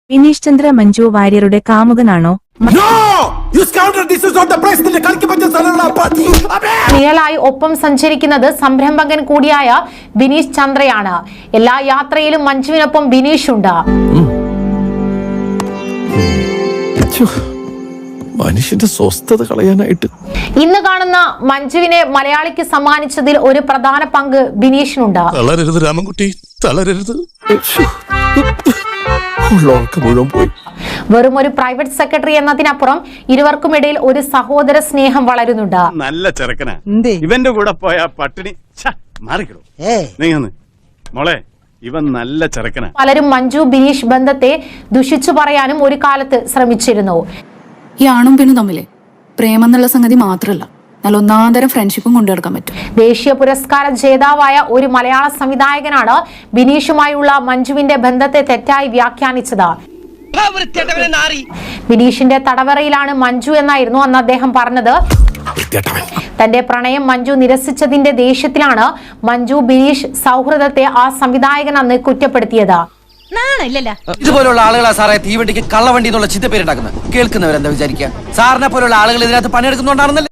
വിനീഷ് ചന്ദ്ര മഞ്ജു വാര്യരുടെ കാമുകനാണോ? നിഴലായി ഒപ്പം സഞ്ചരിക്കുന്നത് സംരംഭകൻ കൂടിയായ ബിനീഷ് ചന്ദ്രയാണ്. എല്ലാ യാത്രയിലും മഞ്ജുവിനൊപ്പം ബിനീഷ് ഉണ്ട്. മനുഷ്യന്റെ സ്വസ്ഥത കളയാനായിട്ട് ഇന്ന് കാണുന്ന മഞ്ജുവിനെ മലയാളിക്ക് സമ്മാനിച്ചതിൽ ഒരു പ്രധാന പങ്ക് ബിനീഷിനുണ്ട്. തളരരുത് രാമൻകുട്ടി, തളരരുത്. വെറും ഒരു പ്രൈവറ്റ് സെക്രട്ടറി എന്നതിനപ്പുറം ഇരുവർക്കുമിടയിൽ ഒരു സഹോദര സ്നേഹം വളരുന്നുണ്ട്. നല്ല ചെറുക്കനാ, ഇവന്റെ കൂടെ പോയ പട്ടിണി മാറിക്കിടും. മോളെ, ഇവൻ നല്ല ചെറുക്കനാ. പലരും മഞ്ജു ബിനീഷ് ബന്ധത്തെ ദുഷിച്ചു പറയാനും ഒരു കാലത്ത് ശ്രമിച്ചിരുന്നു. ഈ ആണും പെണ്ണും തമ്മിലെ പ്രേമം എന്നുള്ള സംഗതി മാത്രമല്ല, നല്ല ഒന്നാന്തരം ഫ്രണ്ട്ഷിപ്പും കൊണ്ടുനടക്കാൻ പറ്റും. ദേശീയ പുരസ്കാര ജേതാവായ ഒരു മലയാള സംവിധായകനാണ് ബിനീഷുമായുള്ള മഞ്ജുവിന്റെ ബന്ധത്തെ തെറ്റായി വ്യാഖ്യാനിച്ചത്. ബിനീഷിന്റെ തടവറയിലാണ് മഞ്ജു എന്നായിരുന്നു അന്ന് അദ്ദേഹം പറഞ്ഞത്. തന്റെ പ്രണയം മഞ്ജു നിരസിച്ചതിന്റെ ദേഷ്യത്തിലാണ് മഞ്ജു ബിനീഷ് സൗഹൃദത്തെ ആ സംവിധായകൻ അന്ന് കുറ്റപ്പെടുത്തിയത്. ഇതുപോലുള്ള ആളുകളാ സാറേ തീവണ്ടിക്ക് കള്ളവണ്ടി എന്നുള്ള ചിന്തപ്പേരുണ്ടാക്കുന്നത്. കേൾക്കുന്നവരെന്താ വിചാരിക്കുക? സാറിനെ പോലുള്ള ആളുകൾ ഇതിനകത്ത് പണിയെടുക്കുന്നുണ്ടാണെന്നല്ലേ?